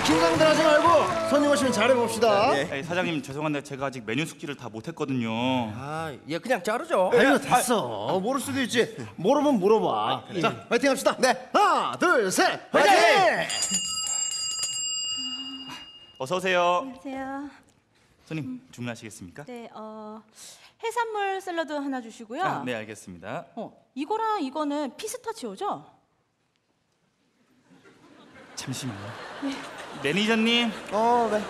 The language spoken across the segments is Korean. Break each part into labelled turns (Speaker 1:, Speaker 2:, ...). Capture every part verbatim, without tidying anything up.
Speaker 1: 긴장들 하지 말고 손님 오시면 잘해봅시다.
Speaker 2: 네. 아니, 사장님 죄송한데 제가 아직 메뉴 숙지를 다 못했거든요.
Speaker 3: 아, 얘 그냥 자르죠.
Speaker 1: 아이고 됐어. 모를 수도 있지. 모르면 물어봐. 자, 예. 화이팅 합시다. 네. 하나, 둘, 셋. 화이팅! 화이팅!
Speaker 2: 어서 오세요.
Speaker 4: 안녕하세요.
Speaker 2: 손님 음. 주문하시겠습니까?
Speaker 4: 네, 어 해산물 샐러드 하나 주시고요.
Speaker 2: 아, 네 알겠습니다.
Speaker 4: 어, 이거랑 이거는 피스타치오죠?
Speaker 2: 잠시만요. 네. 매니저님.
Speaker 5: 어, 네.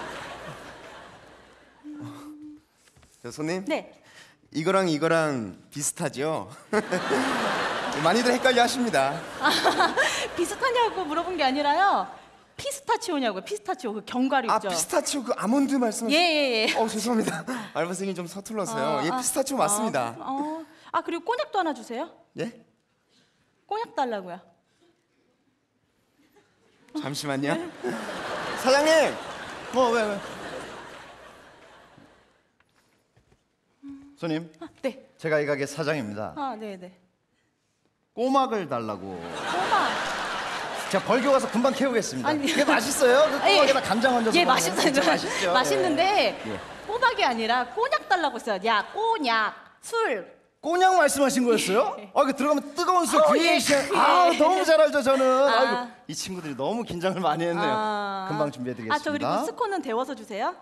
Speaker 5: 저 손님.
Speaker 4: 네.
Speaker 5: 이거랑 이거랑 비슷하죠? 많이들 헷갈려 하십니다.
Speaker 4: 아, 비슷하냐고 물어본 게 아니라요. 피스타치오냐고요. 피스타치오 그 견과류
Speaker 5: 아,
Speaker 4: 있죠.
Speaker 5: 피스타치오 그 아몬드 말씀하시...
Speaker 4: 예예예. 예.
Speaker 5: 어, 죄송합니다. 알바생이 좀 서툴러서요.
Speaker 4: 어,
Speaker 5: 예,
Speaker 4: 아,
Speaker 5: 피스타치오 맞습니다.
Speaker 4: 어, 어. 아, 그리고 꼬냑도 하나 주세요.
Speaker 5: 예?
Speaker 4: 꼬냑 달라고요.
Speaker 5: 잠시만요. 사장님!
Speaker 1: 어, 왜, 왜? 손님,
Speaker 4: 아, 네.
Speaker 1: 제가 이 가게 사장입니다.
Speaker 4: 아, 네, 네.
Speaker 1: 꼬막을 달라고.
Speaker 4: 꼬막.
Speaker 1: 제가 벌교 가서 금방 캐오겠습니다.
Speaker 4: 아니.
Speaker 1: 이게 맛있어요? 그 꼬막에다 간장 얹어서
Speaker 4: 예,
Speaker 1: 먹으면
Speaker 4: 맛있어요.
Speaker 1: 진짜 맛있죠.
Speaker 4: 맛있는데
Speaker 1: 예.
Speaker 4: 꼬막이 아니라 꼬냑 달라고 했어요. 야, 꼬냑. 술.
Speaker 1: 꼬냑 말씀하신 거였어요? 아, 그 들어가면 뜨거운 술
Speaker 4: 어,
Speaker 1: 그리에이션.
Speaker 4: 예.
Speaker 1: 아, 너무 잘 알죠, 저는.
Speaker 4: 아.
Speaker 1: 아이고, 이 친구들이 너무 긴장을 많이 했네요.
Speaker 4: 아.
Speaker 1: 금방 준비해드리겠습니다.
Speaker 4: 아, 저 그리고 스콘은 데워서 주세요.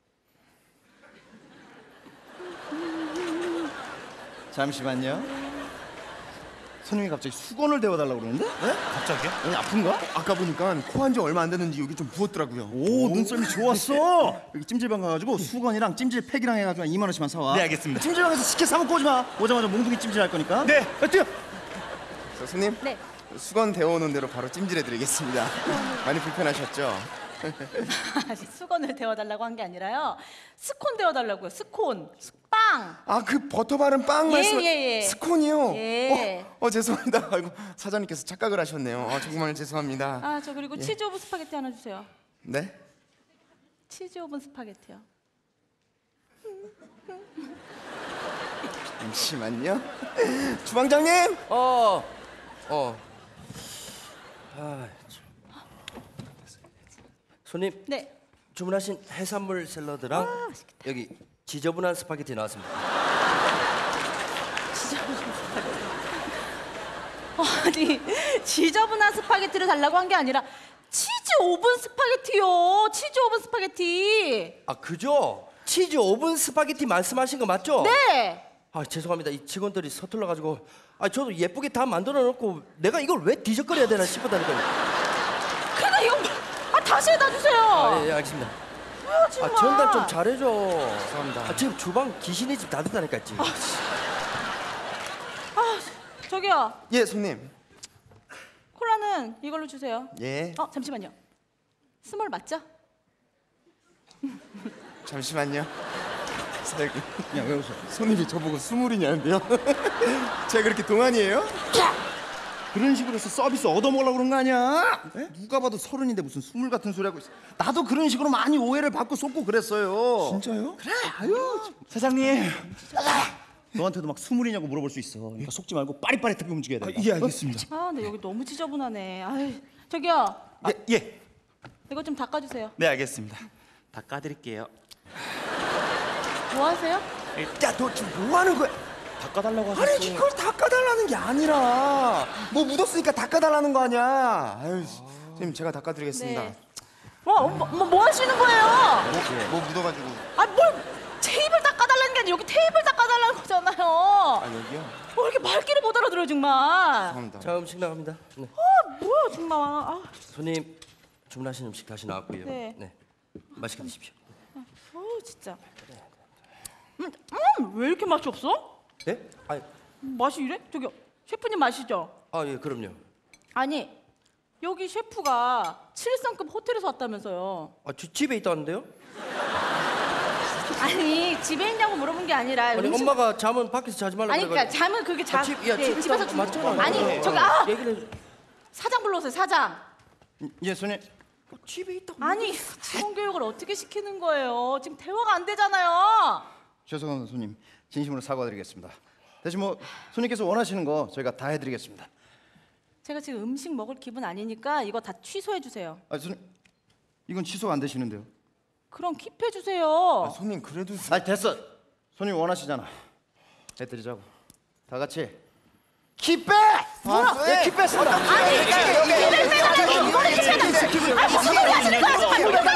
Speaker 1: 잠시만요. 손님이 갑자기 수건을 데워달라고 그러는데? 네?
Speaker 2: 갑자기요?
Speaker 1: 아니, 아픈가?
Speaker 5: 아까 보니까 코 한 지 얼마 안 됐는지 여기 좀 부었더라고요.
Speaker 1: 오, 눈썰미 좋았어. 여기 찜질방 가가지고 수건이랑 찜질팩이랑 해가지고 이만 원씩만 사와.
Speaker 2: 네, 알겠습니다.
Speaker 1: 찜질방에서 식혜 사 먹고 오지 마. 오자마자 몽둥이 찜질할 거니까.
Speaker 2: 네.
Speaker 1: 야, 뛰어.
Speaker 5: 저 손님.
Speaker 4: 네.
Speaker 5: 수건 데워오는 대로 바로 찜질해드리겠습니다. 많이 불편하셨죠?
Speaker 4: 아직 수건을 데워달라고 한 게 아니라요. 스콘 데워달라고요. 스콘. 빵.
Speaker 5: 아, 그 버터 바른 빵
Speaker 4: 예,
Speaker 5: 말씀...
Speaker 4: 예, 예.
Speaker 5: 스콘이요?
Speaker 4: 예.
Speaker 5: 어, 어, 죄송합니다. 아이고, 사장님께서 착각을 하셨네요. 어, 정말 죄송합니다.
Speaker 4: 아, 저 그리고 치즈 오븐 스파게티 하나 주세요.
Speaker 5: 네?
Speaker 4: 치즈 오븐 스파게티요.
Speaker 5: 잠시만요. 주방장님!
Speaker 3: 어, 어. 아, 참. 손님,
Speaker 4: 네.
Speaker 3: 주문하신 해산물 샐러드랑
Speaker 4: 아, 맛있겠다.
Speaker 3: 여기 지저분한 스파게티 나왔습니다.
Speaker 4: 지저분한 스파게티. 아니, 지저분한 스파게티를 달라고 한 게 아니라 치즈 오븐 스파게티요. 치즈 오븐 스파게티.
Speaker 3: 아, 그죠? 치즈 오븐 스파게티 말씀하신 거 맞죠?
Speaker 4: 네.
Speaker 3: 아, 죄송합니다. 이 직원들이 서툴러 가지고 아, 저도 예쁘게 다 만들어 놓고 내가 이걸 왜 뒤적거려야 되나 싶었다니까요.
Speaker 4: 그러니까 이거 아, 다시 해다 주세요.
Speaker 3: 아, 예, 예, 알겠습니다.
Speaker 4: 뭐야, 정말.
Speaker 3: 아, 전달 좀 잘해줘.
Speaker 5: 죄송합니다.
Speaker 3: 아, 지금 주방 귀신의 집 다 됐다니까 지금.
Speaker 4: 아, 저기요.
Speaker 5: 예, 손님.
Speaker 4: 콜라는 이걸로 주세요.
Speaker 5: 예.
Speaker 4: 어, 잠시만요. 스몰 맞죠?
Speaker 5: 잠시만요. 사장님.
Speaker 1: 야, 왜 웃어?
Speaker 5: 손님이 저보고 스물이냐는데요? 제가 그렇게 동안이에요?
Speaker 1: 그런 식으로 해서 서비스 얻어먹으려고 그런 거 아니야? 에? 누가 봐도 서른인데 무슨 스물 같은 소리 하고 있어. 나도 그런 식으로 많이 오해를 받고 속고 그랬어요.
Speaker 5: 진짜요?
Speaker 1: 그래, 아유.
Speaker 2: 사장님.
Speaker 1: 너한테도 막 스물이냐고 물어볼 수 있어. 그러니까 속지 말고 빠릿빠릿하게 움직여야 돼.
Speaker 5: 예, 알겠습니다.
Speaker 4: 아, 근데 여기 너무 지저분하네. 아유, 저기요.
Speaker 2: 예, 예.
Speaker 4: 이거 좀 닦아주세요.
Speaker 2: 네, 알겠습니다. 다 까드릴게요.
Speaker 4: 뭐 하세요?
Speaker 5: 야, 너 지금 뭐 하는 거야?
Speaker 2: 닦아달라고 하셨어요.
Speaker 5: 아니, 이걸 닦아달라는 게 아니라 뭐 묻었으니까 닦아달라는 거 아니야. 아유, 선생님 제가 닦아드리겠습니다.
Speaker 4: 네. 와, 뭐, 뭐, 뭐 하시는 거예요?
Speaker 5: 뭐, 뭐 묻어가지고.
Speaker 4: 아, 뭘 테이블 닦아달라는 게 아니라 여기 테이블 닦아달라는 거잖아요.
Speaker 5: 아, 여기요?
Speaker 4: 뭐 이렇게 말귀를 못 알아들어요, 정말.
Speaker 5: 죄송합니다.
Speaker 3: 자, 음식 나갑니다. 네.
Speaker 4: 아, 뭐야, 정말. 아,
Speaker 3: 손님 주문하신 음식 다시 나왔고요.
Speaker 4: 네.
Speaker 3: 맛있게 드십시오.
Speaker 4: 어우, 진짜. 음, 음, 왜 이렇게 맛이 없어?
Speaker 3: 예? 아,
Speaker 4: 맛이 이래? 저기요, 셰프님 마시죠?
Speaker 3: 아, 예, 그럼요.
Speaker 4: 아니, 여기 셰프가 칠성급 호텔에서 왔다면서요.
Speaker 3: 아, 지, 집에 있다는데요?
Speaker 4: 아니, 집에 있냐고 물어본 게 아니라
Speaker 3: 아니,
Speaker 4: 음식-
Speaker 3: 엄마가 잠은 밖에서 자지 말라고
Speaker 4: 아니, 그러니까
Speaker 3: 그래가지고.
Speaker 4: 잠은 그게 자
Speaker 3: 아, 집, 야,
Speaker 4: 네,
Speaker 3: 집에
Speaker 4: 집에서
Speaker 3: 있다고
Speaker 4: 주-
Speaker 3: 맞잖아.
Speaker 4: 아니,
Speaker 3: 예,
Speaker 4: 저기
Speaker 3: 예.
Speaker 4: 아
Speaker 3: 얘기를 해줘.
Speaker 4: 사장 불러오세요, 사장.
Speaker 1: 예, 손님.
Speaker 3: 집에 있다고.
Speaker 4: 아니, 직원 교육을 어떻게 시키는 거예요? 지금 대화가 안 되잖아요.
Speaker 1: 죄송합니다, 손님. 진심으로 사과드리겠습니다. 대신 뭐 손님께서 원하시는 거 저희가 다 해드리겠습니다.
Speaker 4: 제가 지금 음식 먹을 기분 아니니까 이거 다 취소해 주세요.
Speaker 1: 아, 손님. 이건 취소가 안 되시는데요.
Speaker 4: 그럼 킵해 주세요.
Speaker 5: 손님 그래도
Speaker 1: 아 됐어. 손님 원하시잖아. 해드리자고. 다 같이 킵백.
Speaker 5: 뭐라?
Speaker 1: 네, 킵백 쓴다.
Speaker 4: 아니 이거를 빼달라고 이거를 치면 안 돼. 아니 지금 하시는 거야 스파게티.